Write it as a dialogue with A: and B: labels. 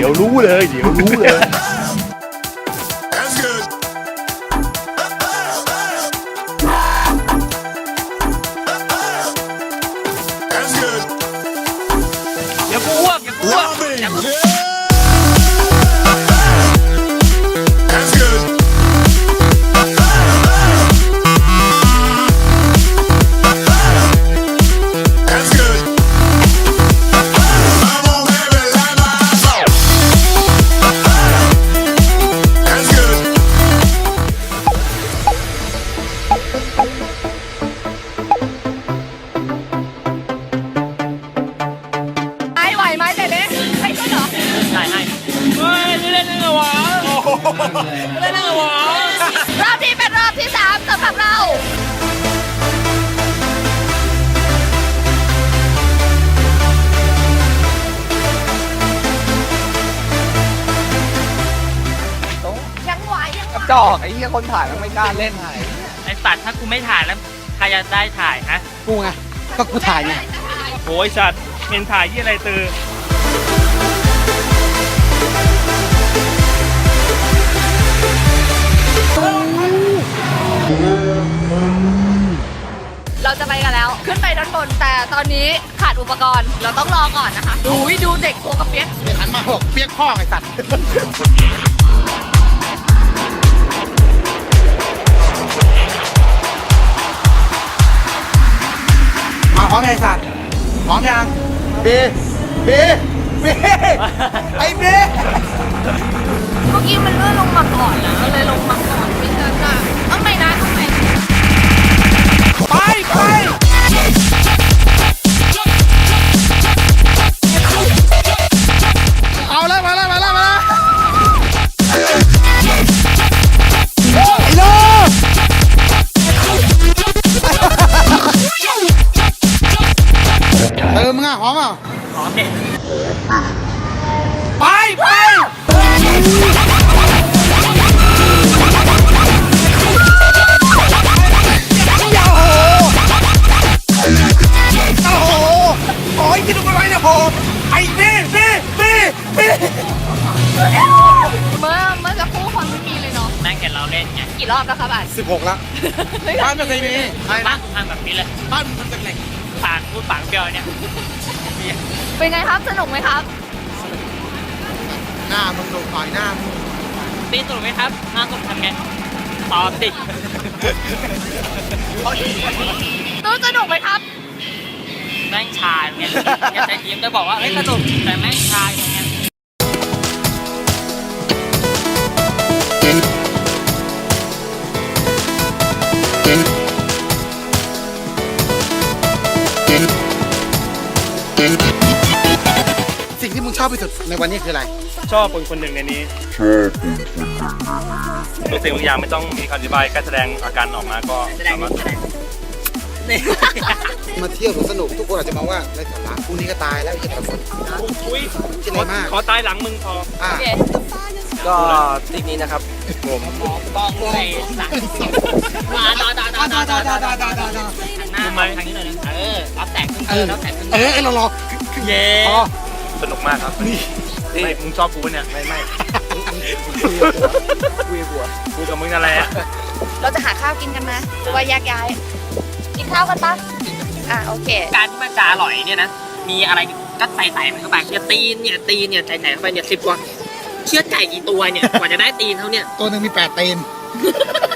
A: ดี๋ยวรู้เลย
B: อย่ากูอ้วกอย่ากูอ้วก
C: ไหวไหมเด็ดเลยให้ก็เหรอ
B: ได้ให้เฮ้ยเล่นอะไรวะเล่นอะไรวะ
C: รอบนี้เป็นรอบที่3สำหรับเรายังไหวยังไหว
D: จอกไอ้เหี้ยคนถ่ายมันไม่กล้าเล่นถ่าย
B: ไอ้สัตว์ถ้ากูไม่ถ่ายแล้วใครจะได้ถ่ายฮะ
D: กูไงก็กูถ่ายไง
B: โอ้ยสัตว์เป็นถ่ายยี่อะไรตือ
C: เราจะไปกันแล้ว ขึ้นไปด้านบนแต่ตอนนี้ขาดอุปกรณ์เราต้องรอก่อนนะคะอุ้ยดูเด็กตัวกระเปี๊ยก
D: เดี๋ยวหันมาบอกเปียกพ่อไอ้สัตว์มาพร้อมไอ้สัตว์พร้อมยังเบไอ้เบ
C: เมื่อกี้มันเลื่อนลงมาก่อนนะเลยลงมาก่อนไม่ใช่ค่ะต้องไปนะต้องไป
D: ไปเอาแล้วมาแล้วไอ้โลมึงอ่ะหอมอ่ะ
B: หอมเด็ด
D: ไปโอ้ยกินอะไรเนี่ยพอไอ้เบ้
C: เมื่อจะคู่คนไม่มีเลยเนาะ
B: แม่งเห็นเราเล่นไง
C: กี่รอบแล้วครับอ่ะ
D: 16แล้วบ้านไม่เคยมีใช่นะ
B: ทำแบบนี้เลย
D: บ้านมันทำจากเหล็ก
B: ปากพูดปากเปรี้ยวเนี่ย
C: เป็นไงครับสนุกไหมครับ
D: หน้ามึงดูต่อยหน้ามึง
B: ตีสนุกไหมครับน่าสนุกทำไงตอบดิ
C: ตู้สนุกไหมครับ
B: แม่งชาเนี่ยอย่าใจทีมจะบอกว่าเฮ้ยสนุกแต่แม่งชาอย่างเงี้ย
D: สิ่งที่มึงชอบที่สุดในวันนี้คืออะไร
A: ชอบคนหนึ่งในนี้ทุกสิ่งทุกอย่างไม่ต้องมีคำอธิบายแค่แสดงอาการออกมาก็สามารถ
D: มาเที่ยวสนุกทุกคนอาจจะมองว่าไร้สาระพรุ่งนี้ก็ตายแล้วไอ้แต่ละคน
A: อุ้ย
D: คิดอะไรมาก
A: ขอตายหลังมึงพอ
D: อ่ะ
C: โอเค
E: ก็ทริปนี้นะครับผม
B: ต้องใส่สักมาต่อหันหน้าทางนี้หน่อยนะรับแสงขึ้นรับแสงขึ้น
D: เรารอ
B: เย้
D: พอ
A: สนุกมากครับไม่มึงชอบกูปะเนี่ยไม่กูกับมึงอะไรอะ
C: เราจะหาข้าวกินกันนะหรือว่าแยกย้ายกินข้าวกันปะโอเค
B: การที่มันจะอร่อยเนี่ยนะมีอะไรก็ใส่มันเข้าไปเนี่ยตีนเนี่ยใส่เข้าไปเนี่ย10 กว่าเชือดไก่กี่ตัวเนี่ยกว่าจะได้ตีนเขาเนี่ย
D: ตัวหนึ่งมี8 ตีน